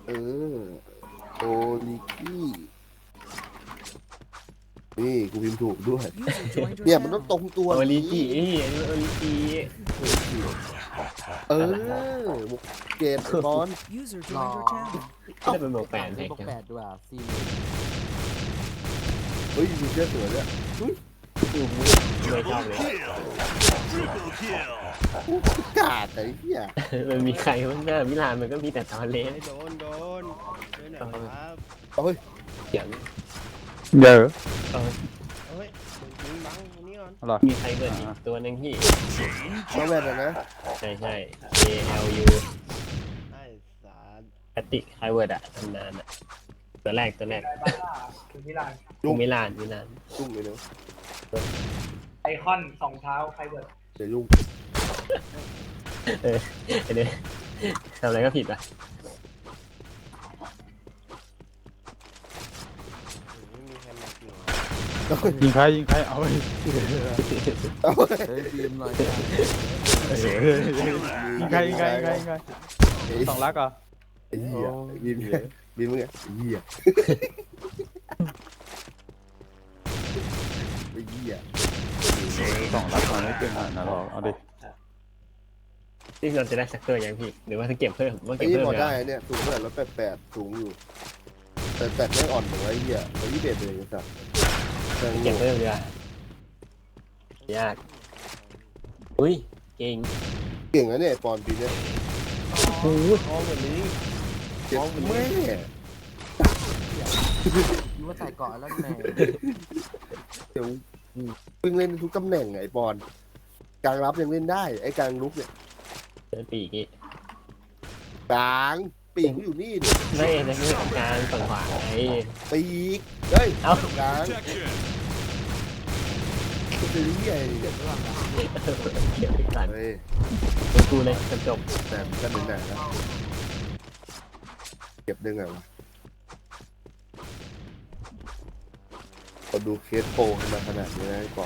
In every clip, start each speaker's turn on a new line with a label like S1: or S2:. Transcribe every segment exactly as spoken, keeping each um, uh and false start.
S1: เออโอลิกี้นี่กูพิมพ์ถูกด้วยเนี่ยมันต้องตรงตัว
S2: โอริ
S1: นี้
S2: จิอันนี้โอริจิ
S1: เออบุกเกตบอล
S3: รอ
S2: ก็ได้เป็นบวกแปด
S3: เล
S2: เลย ย
S3: บวกแปดด้วยอ่ะสี่
S1: เฮ้ยมีเสื้อสวยด้วยอุ้ย
S2: ไม่ชอบเลย
S1: กาดไอ้เหี้ย
S2: มันมีใครบ้างหน้ามิลานมันก็มีแต่ตอนเล่น
S4: โดนโดนด้วยหน่อยครับ
S1: เฮ้ย
S2: เสียง
S5: เยอะ
S2: เออ
S4: เฮ้ยมึงยิงบังอันนี้ก่อน
S5: อะไร
S2: มีใครเบิร์ดอีกตัวหนึ่งที่
S1: น้องแว่นอะนะ
S2: ใช่ใช่ A L U
S4: ไอ้สาร
S2: แพตติกไฮเวิร์ดอะตำนานอะตัวแรกตัวแรก
S6: คือมิลาน
S2: ยูมิลานมิลาน
S1: ยุ่งเลยเนาะ
S6: ไอคอนสองเท้าใครเบิร์ด
S1: เดี๋ยวยุ่ง
S2: เออไอเนี้ยทำอะไรก็ผิดอ่ะ
S4: ไม่มีใครมากิน
S5: ยิงใครยิงใครเอาไป
S1: เอา
S3: เฮ้ยบีมหน่อย
S5: ยิงใครยิงใครยิงใครยิงใครสองลักเหรอ
S1: ไอ้เหี้ยบินบินมึงไงไอ้เหี้ยไอ้เหี้ย
S5: สองลักมาไม่เก่งขนาดนั้นหรอกเอาดิ
S2: ที่เราจะได้สักตัวยังพี่หรือว่าจะเก็บเพิ่มว่า
S1: ไอ้
S2: เก็บ
S1: นี่
S2: เพิ่ม
S1: พอ
S2: เลย
S1: ได้เนี่ยสูงเท่าไหร่ร้อยแปดแปดสูงอยู่ แต่แต่ไม่อ่อนเหมือนไอ้เหี้ยร้อยยี่สิบเอ็ดเลยสัสแต่
S2: เก็บเพิ่มเลยยากอุ้ยเก่ง
S1: เก่งนะเนี่ยปอนปีเนี่ย
S2: โอ้โห
S4: ท้องแบบนี้
S1: เจ็บแม่
S3: คิดว่าใส่เกาะแล้วแม่
S1: เดี๋ยวเพิ่งเล่นทุกตำแหน่งไอ้ปอนกลางรับยังเล่นได้ไอ้กลางลุกเนี่ย
S2: เดินปีกอีก
S1: กลางปีกอยู่นี่ดิ
S2: ไม่ในเรื่องของการฝั่งขวาไง
S1: ปีกเฮ้ย
S2: เอ้าก
S1: ลางคือเหี้ยเนี่ย
S2: เก็บอีกสัน
S1: เฮ้ย
S2: กูเลยจบจบ
S1: แต่มันก็หนึ่งหนาแล้วเก็บได้ไงวะเราดูเคสโปรขึ้นมาขนาดนี้นะก่อน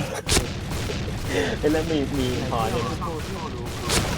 S2: แล้วมีมีพอเนี่ย
S3: โตที่เขารู้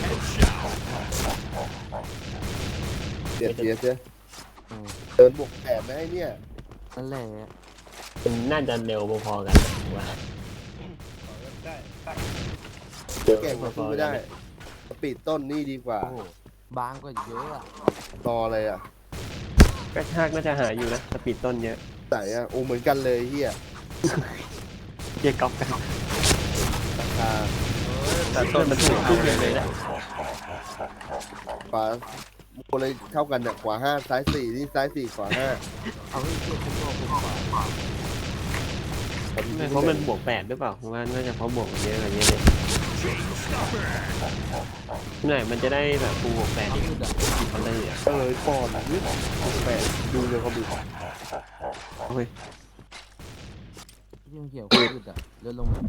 S1: เดียดเดียดเจ้เดินบวกแปดนะไอ้เนี่ย
S3: นั่นแหละ
S2: มันน่าจะเร็วพอๆกันว่า
S4: ได้
S1: แก่งมาสู้ไม่ได้สปีดต้นนี่ดีกว่า
S3: โอ้โหบางกว่าเยอะอ่ะ
S1: รออะไรอ่ะ
S2: กระชากน่าจะหาอยู่นะสปีดต้นเยอะ
S1: ใส่อ่ะโอ้เหมือนกันเลยเฮีย
S2: เกี่ยกอบกัน
S1: ราคา
S2: แต่ต้นมันถูกทุกอย่างเลยนะ
S1: ขวาคนเลยเท่ากันเนี่ยขวาห้าซ้ายสี่นี่ซ้ายสี่ขวาห้า
S3: เอาให้เทียบกับตัวผมก่อน
S2: เพราะมันบวกแปดหรือเปล่าผมว่าน่าจะเพราะบวกมันเยอะกว่านี้เลยหน่อยมันจะได้แบบฟูบวกแปด
S3: เอา
S2: อีก
S3: หยุดอ่ะ
S2: เขาเลยอ่ะ
S1: เออปอนด์นี่บวกแปดดูเลยเขาดู
S2: โอ้ย
S3: ที่มันเกี่ยวกับหยุดอ่ะเลื่อนลงมา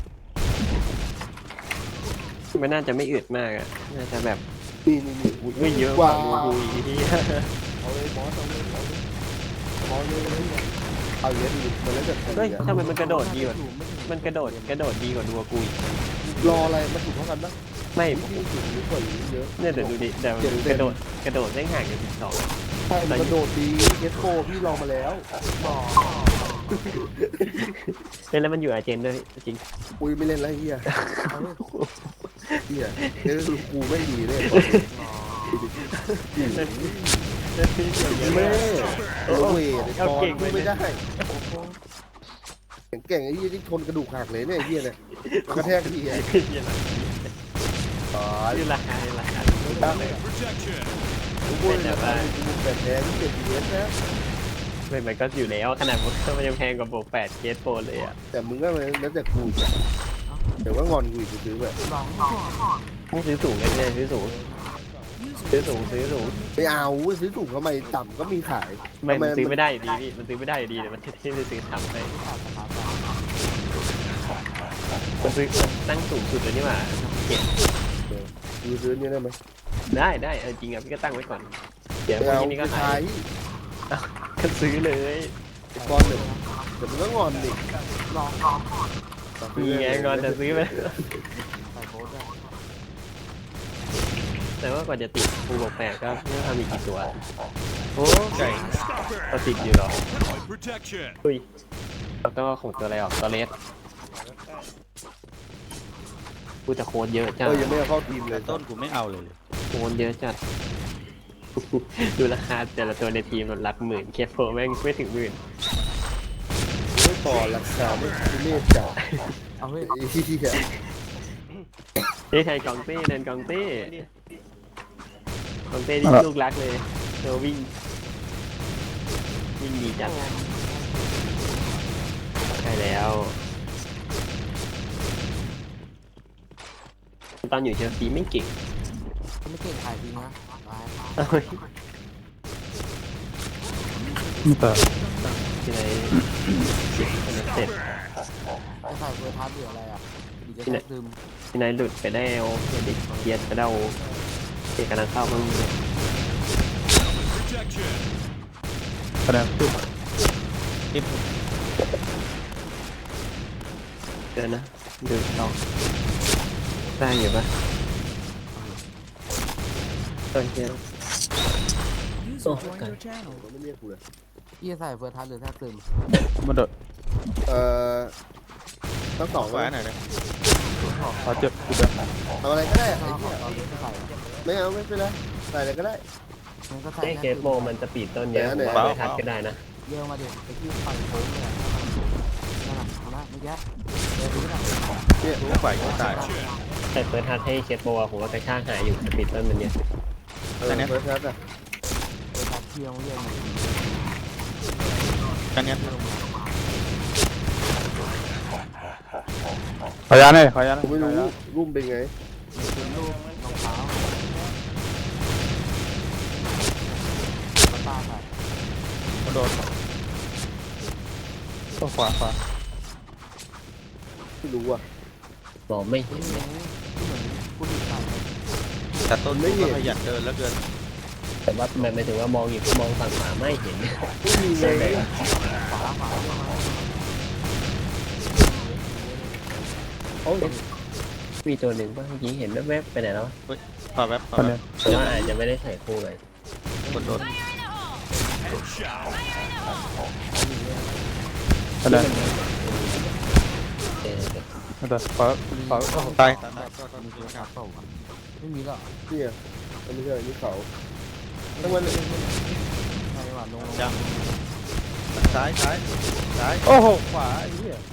S2: มันน่าจะไม่อึดมากอ่ะน่าจะแบบ
S1: นี่นี่นี่อุ้ย
S2: ไม่เยอะก
S1: ก
S2: ว่า
S1: ว่า
S2: ดูดูอีกที
S1: เอาเลยบอสเอาเลยเอาเลยบอสเลยเอาเยอะดิมันแล้วจะ
S2: เฮ้ยทำไมมันกระโดดดีกว่า
S3: ถูไม่ถึง
S2: มันกระโดดกระโดดดีกว่าดูกูอีก
S1: รออะไรมันถูกเท่ากันปะ
S2: ไม่
S1: ที่ถูกหรือกว่านี้เยอะ
S2: เนี่ยเดี๋ยวดูดิเดี๋ยวดูกระโดดกระโดดได้ห่างกันสิบสอง
S1: ใช่มันกระโดดดีเกสโปพี่ลองมาแล้ว
S3: บอก
S2: เล่นแล้วมันอยู่อาเจนด้วยจริง
S1: อุ้ยไม่เล่นแล้วเฮีย
S3: เอาให้
S1: เฮียเล่นกูไม่ดีเลย แม่โอ้เวทบอลไม่ได้แข็งแกร่งไอ้ยี่ที่ทนกระดูกหักเลยเนี่ยไอ้เฮียเนี่ยกระแทกทีไอ้ตาย
S2: นี่ราคานี่ราคา
S1: ตั้งกูพูดเลยนะกูแปดแพ้ที่เจ็ดเดือนนะ
S2: ไม่มันก็อยู่แล้วขนาดมันยังแพงกว่าโบกแปดเคสโปรเลยอ่ะ
S1: แต่มึงก็เลยแล้วแต่กูแต่ว่างอนกูอีกซื้อแบบ
S3: ลองก่อน
S2: ไม่ซื้อสูงเลยเนี่ยซื้อสูงซื้อสูงซื้อสูง
S1: ไปเอาซื้อถูกทำไมต่ำก็มีขาย
S2: ไม่มันซื้อไม่ได้อยู่ดีพี่มันซื้อไม่ได้อยู่ดีแต่มันที่จะซื้อทำไปมันซื้อตั้งสูงสุดเลยนี่หว่าเก็บ
S1: ดูซื้อนี่ได้ไหม
S2: ได้ได้เออจริงอ่ะพี่ก็ตั้งไว้ก่อนเดี๋ยว
S1: ไป
S2: พ
S1: เอา
S2: รุ่งนี้
S1: ไป
S2: ก็ขา
S1: ขาย ย
S2: ก็ซื้อเลย
S1: ก้อนหนึ่งแต่มึงก็งอนดิ
S3: ลองก่อน
S2: มีไงก่อนจะซื้อไป
S3: ใส่โค้ดด้วย
S2: แต่ว่ากว่าจะติดฟูบอกแปดก็ไม่รู้ทำอีกกี่ตัว
S5: โอ้ไก่
S2: ก็ติดอยู่หรอ
S7: Protection.
S2: อุ้ยแล้วก็ของตัวอะไรออกตัวเลสกูจะโค้ดเยอะจั
S1: เอ
S2: ด
S1: อยังไม่เอาเข้าทีมเลย
S5: ต้นกูไม่เอาเลย
S2: โค้ดเยอะจัด ดูราคาแต่ละตัวในทีมมันหลักหมื่นเคสโฟแม่งไม่ถึงหมื่น
S1: ไม่ต่อราคาไม่ไม่จ่าย
S3: เอาเฮ้ย
S1: ไอ้เหี้ย
S2: นี่ใครกองเต้เดินกองเต้กองเต้ที่ลูกรักเลยเธอวิ่งวิ่งดีจัดใช่แล้วตอนอยู่เชลซีไม่เก่ง
S3: เขาไม่เก่งขายจริงนะตาย
S2: เอ้ย
S5: ไม่แต่
S2: ที่ไหนเสร็จ
S3: ไอ้ใส่เบอร์ทัสหรืออะไรอ่ะดีจะแทบซึม
S2: ที่ไหนหลุดไปได้โอเด็กเกียร์ไปได้โอเอกกำลังเข้าบ้าง
S7: Protection.
S5: คะแนนปุ๊บทิป
S2: เกินนะดูลองได้อยู่ปะต้นเกียร์โอ้กัน
S1: มันไม่เรียกกูเลย
S3: พี่จะใส่เบอร์ทัสหรือแทบซึม
S5: มาโดด
S1: เอ่อทั้งสอง
S5: ขวา
S1: เลย
S5: หน่อยเลยขวาเจ็บกูเดิน
S1: ทำอะไรก็ได้
S3: ถ้า
S1: ไอ้
S3: เอา
S1: เหี้ย
S3: ตอนนี้ไม่ใส่
S1: ไม่เอาไม่เป็นไรใส่อะไรก็ได้
S3: มันก็ใส่
S2: ไอ้
S3: แท
S2: เค
S3: บ
S2: ส
S3: ซึ
S2: โบ
S3: ม
S2: มันจะปีดต้นเยอะ
S1: ไหน
S2: ผม
S1: ๆ
S2: ว่าไม่ทัดก็ได้นะ
S3: เยอะมาเด็กไปที่ปั่นโค้งเลยนั่นแหละนะไม่แย่เดี๋ยวดูนะ
S1: เนี่ย
S5: รู้ฝ่ายก็ตาย
S2: แต่เปิดทัดให้เคสโบผมว่ากระชากหายอยู่สปีดต้นมันเนี่ย
S1: เออเฟิร์สทัสอะ
S3: เบอร์ทัสเที่ยวเยอะมา
S5: กันเนี้ยขอยาหน่อยขอยาหน่
S1: ผมไม่รู้รุ่มเป็นไง
S3: เป็นลูกรองเท้าตาใส่
S5: มาโดดก็ขวาขวา
S1: ไม่รู้อ่ะ
S2: มองไม่เห็น
S3: เห
S2: เล
S3: มือย นเหมือนผู้หญิงใส่
S5: แต่ต้นกูก็ขยันเดินแล้วเกิน
S2: แต่ว่ามันหมายถึงว่ามองอยู่มองฝั่งขวาไม่เห็น
S1: ไม่มีไง
S2: ใช่ไหม
S3: ฝาฝาเยอะมา
S1: โอ้ย
S2: มีตัวหนึ่งป่ะเมื่อกี้เห็นแวบๆไปไหนแล้ว
S5: ขวาแป๊บขวาแป๊บ
S2: แต่ว่าอาจจะไม่ได้ใส่คู่เลย
S5: คนโดน
S7: Headshot.
S5: คะแนน
S2: เออ
S5: ไม่แต่ขวาขวาตาย
S3: มีตัวขาเปล่าไม่มีหรอก
S1: เนี่ยมันไม่ใช่นี่เขาทั้งวันเลย
S3: ใช่ว่าลง
S5: ยังซ้ายซ้ายซ้ายโอ้โหขวาไอ้เหี้ย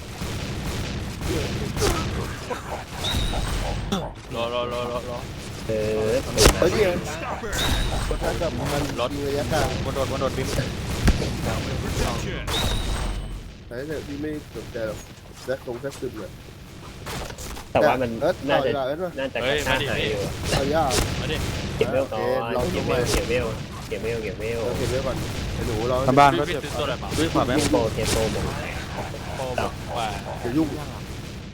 S8: รอรอรอรอรอ
S2: เออ
S1: เฮ้ยเนี่ยเฟิร์สทัสกับมันยิงระยะกลาง
S5: บนโดดบนโดดบิน
S7: Protection.
S1: แต่ถ้าพี่ไม่สนใจหรอกแจ็คตรงแจ็คซึมเลย
S2: แต่ว่ามัน
S1: เอิร์ธ
S2: น่าจะ
S1: ต่อยเอิร์ธวะ
S2: น่าจะกระชากหายอยู่
S1: เอายาก
S8: มาดิ
S2: เก็บเวลก่อน
S1: ลอง
S2: เก็
S1: ดู
S2: บ
S1: ไป
S2: เวลเก็บเวลเก็บเวลเก็บเวล
S1: เราเก็บไว้ก่อนไอ้หนูเรา
S5: ทำบ้านก็
S8: พี่
S5: เจ็บ
S8: ซื้อตัวอะไรมา
S5: ด้วยขวาแป๊บ
S2: โปรเทโปรหมด
S8: โอ้บอกว่า
S1: อย่ายุ่ง
S3: ยังอ่ะ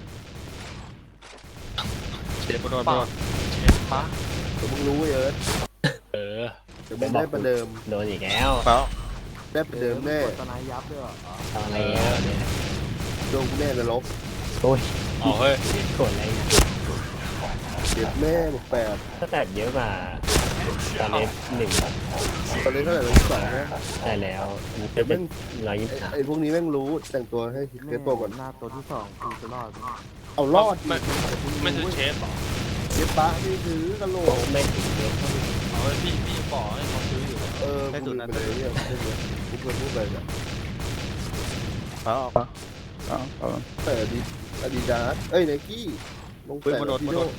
S5: เจ็บบนโดดบนโดด
S8: ปะ
S1: เดี๋ยวมึงรู้ไอ้เอิร์ธ
S8: เออ
S1: เดี๋ยวมึงได้ประเดิม
S2: โดนอีกแล้ว
S5: เปล่า
S1: ได้ประเดิมแน่
S3: ตอนนายยับด้วย
S2: ตอนแล้วเนี่ย
S1: โดนกูแน่นรก
S2: โอ้ย
S8: เอาเฮ้ย
S2: กดอะไรเนี่ย
S1: เจ็บแน่หมดแปด
S2: ก็แต่เยอะกว่าตอนเล็กหนึ่ง
S1: ตอนนี้เท่าไหร่เราสองนะ
S2: ได้แล้วมัน
S1: แต่
S2: เป็
S1: แม่
S2: น
S1: ง
S2: ร้อยยี่
S1: ไอ้
S2: สิบสาม
S1: ไอ้พวกนี้แม่งรู้แต่งตัวให้เคสโตก่อน
S3: หน้าตัวที่สองคือจะรอด
S1: เอารอดดิ
S8: ไม่ไม่ซื้อเชฟหรอ
S1: เจ็บปะนี่ถือกระโหลก
S2: ไม่ถึงเยอะ
S8: เอาเฮ้ยพี่พี่บอกให้เขาซื้ออยู่
S1: เออกูลืมไปเลยเนี่ยไม่ใช่กูเคยพูดไปเนี่ย
S5: เปล่าเปล่าเปล่าเปล่า
S1: แต่อดีอดีดาสเอ้ยไนกี้ลง
S5: ปืน
S1: แต่
S5: มาโดดมาโดด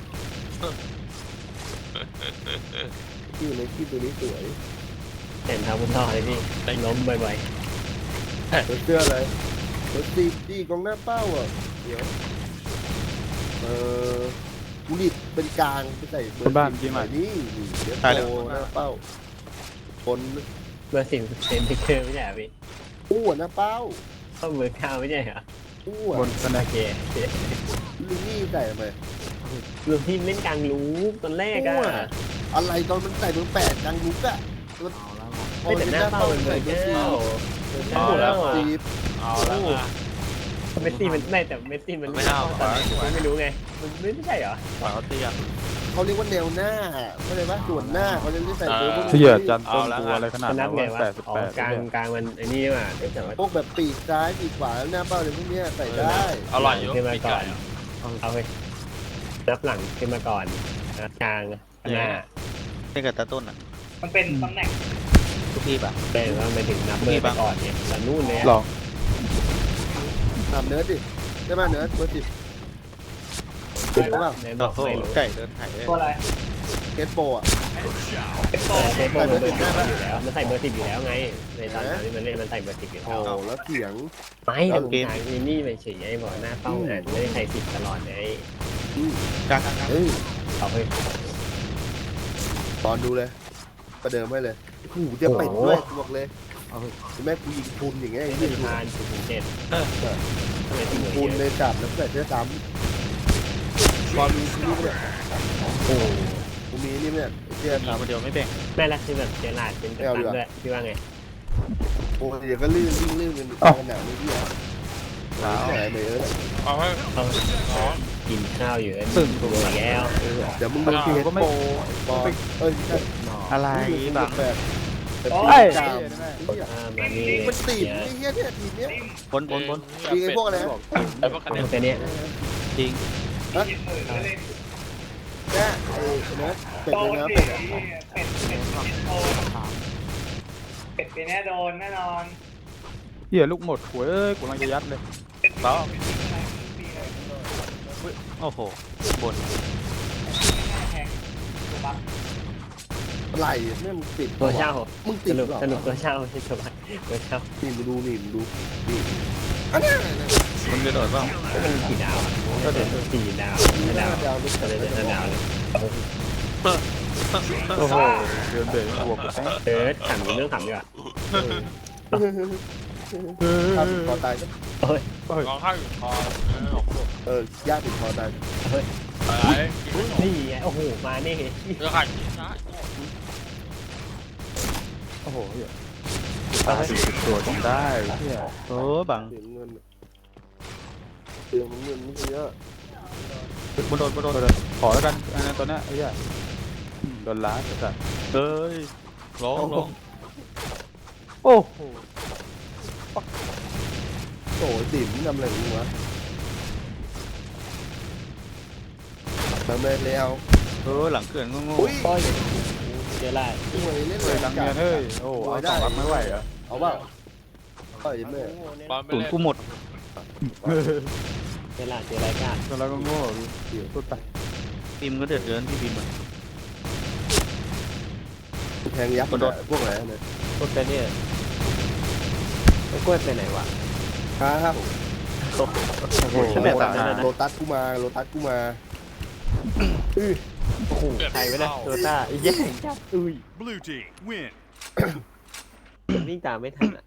S1: ที่ไนกี้ตัวนี้สวย
S2: เห็นเท้าคุณท่อเลยพี่ล้มบ่อย
S1: เสื้ออะไรรถตีตีกองหน้าเป้าอ่ะเดี๋ยวเออกูรีดเป็นกลางไปใส่เบอร์นี่นี่เดี๋ยวโตหน้าเป้าคน
S2: ๆเบอร์สิบเซนติเกอร์ไม่ใช่เหรอพี่
S1: อ้วนหน้าเป้า
S2: ก็เบอร์เก้าไม่ใช่เหรอ
S1: อ้ว
S5: บ
S1: น
S5: นคะแน
S2: โอน เคโอเค
S1: ลูนี่ใส่ทำไม
S2: รวมทีมเล่นกลางรู้ตอนแรกอะ
S1: อะไรตอนมันใส่เบอร์แปดกลางลุกอะ
S3: เอาแล้ว
S2: ไม่แต่หน้าเป้าเป็นเบอร์เก้าเบอร์เก้า
S8: แล้ว
S1: สีบ
S8: เอาแล้วนะ
S2: เมสซี่มันไม่แต่เมสซี่มัน
S8: ไม่เอา
S2: ตอนไหนผมไม่รู้ไงมันไม่ใช่เหรอ
S8: ขวาเขาเตี้ย
S1: เขาเรียกว่าแนวหน้าเข้าใจปะส่วนหน้าเขาจะเรียกใส่เบอร์พวก
S5: เสี
S1: นี้
S5: ยจันต้นตัวอะไรขนาด
S2: นั
S5: นั้
S2: บ
S5: น
S2: ไง
S5: วะ
S2: วะ
S5: แปดสิบ
S2: อ๋อ
S5: แปด
S2: กลางกลางมันไอ้นี่ว่ะแต่ว่า
S1: พวกแบบปีกซ้ายปีกขวาหน้าเป้าอะไรพวกเนี้ยใส่ได้
S8: อร่อยอยู่
S2: ขึ้นมา
S8: ปีก
S2: ก่อ
S8: ไก่
S2: น
S8: อะ
S2: เอาไปนับหลังขึ้นมาก่อนนับกลางหน้า
S5: นี่กับตาต้นอ่ะ
S6: มันเป็นตำแหน่ง
S5: ทุกทีป่ะ
S2: แต่ว่าไปถึงนับเบอร์ไปก่อนเนี่ยแต่นู่นเลย
S5: หร
S2: อะ
S5: อ
S1: ตามเนื้อดิได้ไหมเนื้อเบอร์สิบถูกเปล่า
S2: ในบ
S5: โอ้
S2: อก
S5: โห
S2: ไม่รู้
S5: ไก่เดินไถ่เลย
S6: ตัวอะไร
S1: เกตโปรอ่ะ
S7: Headshot.
S6: เป็นโต
S2: เออเซฟเบอร์เบอร์สิบอยู่แล้วมันใส่เบอร์สิบอยู่แล้วไงในตอนนั้นมันเล่นมันใส่เบอร์สิบอยู่
S1: โอ้
S2: แล้ว
S1: แล้วเสียง
S2: ไม่แต่ผมถามมินี่ไปเฉยไอ้บอกหน้าเป้าอ่ะไม่ได้ใส่สิบตลอดไง
S5: กลางกลางกลาง
S1: เฮ้ย
S2: เอาไป
S1: ตอนดูเลย ประเดิมให้เลยโอ้โหจะเป็ดด้วยบอกเลยแม่กูยิงพุนอย่างเงี้ย
S2: ไม่
S1: ไอ้
S2: ได้
S1: ที่
S2: ทานสิบถึงเจ็ดทำไมถึง
S1: พุน
S2: เย
S1: เล
S2: อะ
S1: ยจับแล้วเกิดเชื้อซ้ำตอนมีนี่เนี่ย
S2: โอ้
S1: กูมีนี่เนี่ยไอ้เชื้อ
S5: มี
S1: ซ้
S5: คนเดียวไม่แบ่ง
S2: แม่ละคือแบบเจลาดเป็นกัปตันด้วยพี่ว่าไง
S1: ำโอ้ยเดี๋ยวก็ลื่นวิ่งลื่นกันขนาดนี้พี่อ่ะหนาวไหนไม่เออ
S8: เอาให้
S2: เอากินข้าวอยู่
S5: ซึ่ง
S2: ตัวแล้ว
S1: เดี๋ยวมึงโดนเกตโปรบอลเอ้ยไม่ใช่
S5: อะไรบัง
S1: แบบแบบ
S5: เอ้ย
S1: กามไอ้เหี้ย
S2: อ่ามานี่
S1: มันตีบไอ้เหี้ยเนี่ยทีเนี้ย
S5: บนบนบน
S1: มีไอ้พวกอะไรนะ
S8: ไอ้พวกคะแนน
S2: แต่เนี้ย
S5: จริง
S6: หมื่นแล้วเลย
S1: แค่ไอ้เนื้อเป็ด
S6: โต
S1: เลยนะ
S6: สิ
S1: เป็ดอ่ะ
S6: เป็ดเป็ดเป็ดโตเป็ดไปแน่โดนแน่นอน
S5: เหี้ยลูกหมดหัวเอ้ยกูกำลังจะยัดเลย
S6: เป็น
S5: ต่อ
S6: เป็นอะไรปีอะไร
S5: โอ้โหบน
S6: แทงตัวบัฟ
S1: ไหลเนี่ยมึงติด
S2: ตัวเช่า
S1: มึง
S2: ส
S1: ติด
S2: นุก
S1: หรอ
S2: สนุกตัวเช่าใช่ไหมตัวเช่า
S1: นี่มึงดูนี่มึงดูนี่อันเนี้ย
S5: มึงจะโดดเปล่า
S2: มันกี่ดาวก็เดี๋ยวสี่ดาวห้าดาว
S1: ดาวลึก
S2: ก็เลยห้าดาวเลย
S5: โอ้โหเดินเบรกบวกกูแป้ง
S2: เออขำเรื่องขำดีกว่า
S1: ถ้าติดคอตายก็
S2: เฮ้ย
S8: ร้องไห้อยู่คอเออของพวก
S1: เออยากติดคอตาย
S8: อะไรกินไม่หมด
S2: นี่ไงโอ้โหมานี่
S8: เออขาดกินได้
S5: โอ้โหเหี้ยตายสี่สิบตัวจนได้เหี้ยเออบัง
S1: เสียเงินเสียเงินไม่เยอะ
S5: บนโดนบนโดนขอแล้วกันอันนั้นตัวเนี้ยไอ้เหี้ยอืมโดนล้าจัดเอ้ยร้องร้องโอ้โห
S1: โอ้ยติ๋มทำอะไรมึงวะทำอะไรแล้ว
S5: เออหลังเขื่อนงง
S1: อุ้ย
S2: โอ้ยเจอละ
S1: สวยเล่น
S5: ๆ
S1: เล
S5: เฮ้ย
S1: ย
S5: หลังเงียนเฮ้ยโอ้เอาสองรับไม่ไหวเหรอ
S1: เอาเปล่าเอ้ยแม่
S8: บอลไม่
S5: ตุน
S8: เล่น
S5: กูหมด
S2: เจอละเจอรายการ
S5: ตอนเราก็โง่พูดไปทีมก็เดือดเดือนที่บีมอ่ะ
S1: แทงยักษ์มันพวกอะไรเนี่ย
S2: พูดไปเนี่ยไอ้กล้วยไปไหนวะ
S1: ครับ
S2: โอ้โห
S5: ฉันแบบตา
S1: โลตัสกูมาโลตัสกูมาอื้อ
S2: โอ้โหใครไม่ได้โดต้าไอ้แย่งจับอุ้ย
S7: Blue team win.
S2: วิ่งตามไม่ทันอ่ะ